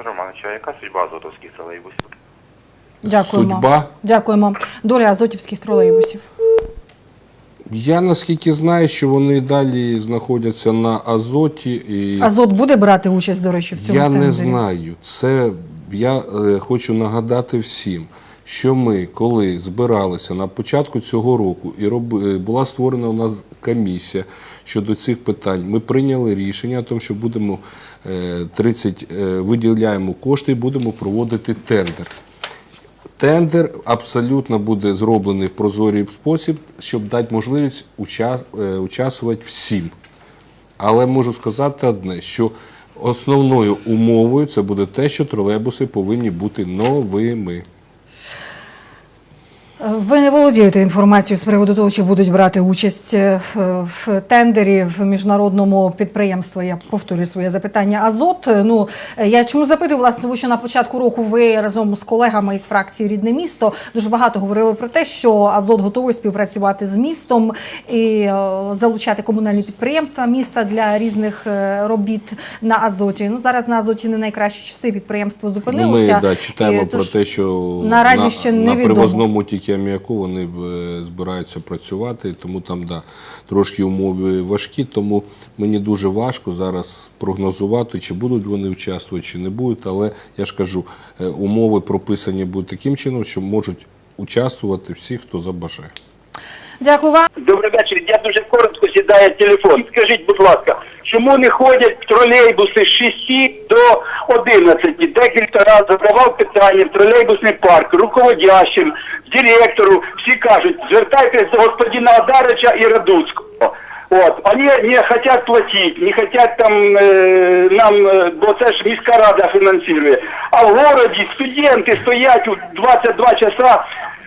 Олександр Романович, а яка судьба азотовських тролейбусів? Дякуємо. Судьба? Дякуємо. Доля азотівських тролейбусів. Я наскільки знаю, що вони далі знаходяться на Азоті. І Азот буде брати участь, до речі, в цьому тендері? Я не знаю. Я хочу нагадати всім, що ми, коли збиралися на початку цього року, і була створена у нас комісія щодо цих питань, ми прийняли рішення, тому що будемо виділяємо кошти і будемо проводити тендер. Тендер абсолютно буде зроблений в прозорий спосіб, щоб дати можливість участвувати всім. Але можу сказати одне, що основною умовою це буде те, що тролейбуси повинні бути новими. Ви не володієте інформацією з приводу того, чи будуть брати участь в тендері в міжнародному підприємстві. Я повторюю своє запитання. Азот. Я чому запитую, власне, тому що на початку року ви разом з колегами із фракції «Рідне місто» дуже багато говорили про те, що Азот готовий співпрацювати з містом і залучати комунальні підприємства міста для різних робіт на Азоті. Зараз на Азоті не найкращі часи, підприємство зупинилося. Ми читаємо про те, що наразі ще на невідомо. привозному тільки аміаку вони збираються працювати, тому там трошки умови важкі, тому мені дуже важко зараз прогнозувати, чи будуть вони участвувати, чи не будуть, але я ж кажу, умови прописані будуть таким чином, що можуть участвувати всі, хто забажає. Дякую вам. Добрий вечір. Я дуже коротко сідає телефон. Скажіть, будь ласка, чому не ходять тролейбуси з 6 до 11? Декілька разів задавав питання в тролейбусний парк, руководящим, директору. Всі кажуть, звертайтесь до господина Адарича і Радуцького. Вони не хочуть платити, не хочуть нам, бо це ж міська рада фінансує. А в городі студенти стоять у 22 часа,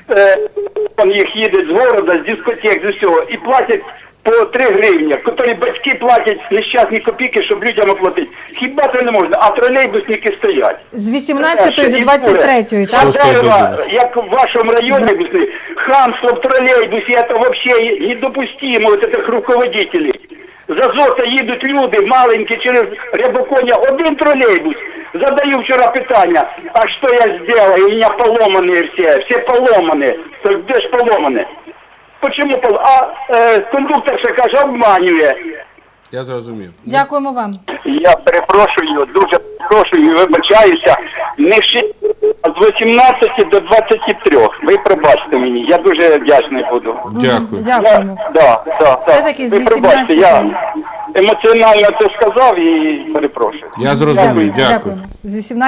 їх їде з города, з дискотек, з усього, і платять по 3 гривні, котрі батьки платять нещасні копійки, щоб людям оплатити. Хіба це не можна? А тролейбусники стоять. З 18 до 23, так? Як в вашому районі, хамство в тролейбусі, це взагалі недопустимо, от цих руководителів. З Азота їдуть люди маленькі через Рябоконя, один тролейбус. Задаю вчора питання, а що я зробив? У мене поломані всі поломані. Так де ж поломані? Почему поломані? А кондуктор ще каже, обманює. Я зрозумів. Дякуємо вам. Я перепрошую, дуже перепрошую, вибачаюся. Не з 18 до 23. Ви пробачте мені, я дуже вдячний буду. Дякую. Дякуємо. Все-таки з Ви пробачте, 18. я емоціонально це сказав і перепрошую. Я зрозумів. Дякую. З 18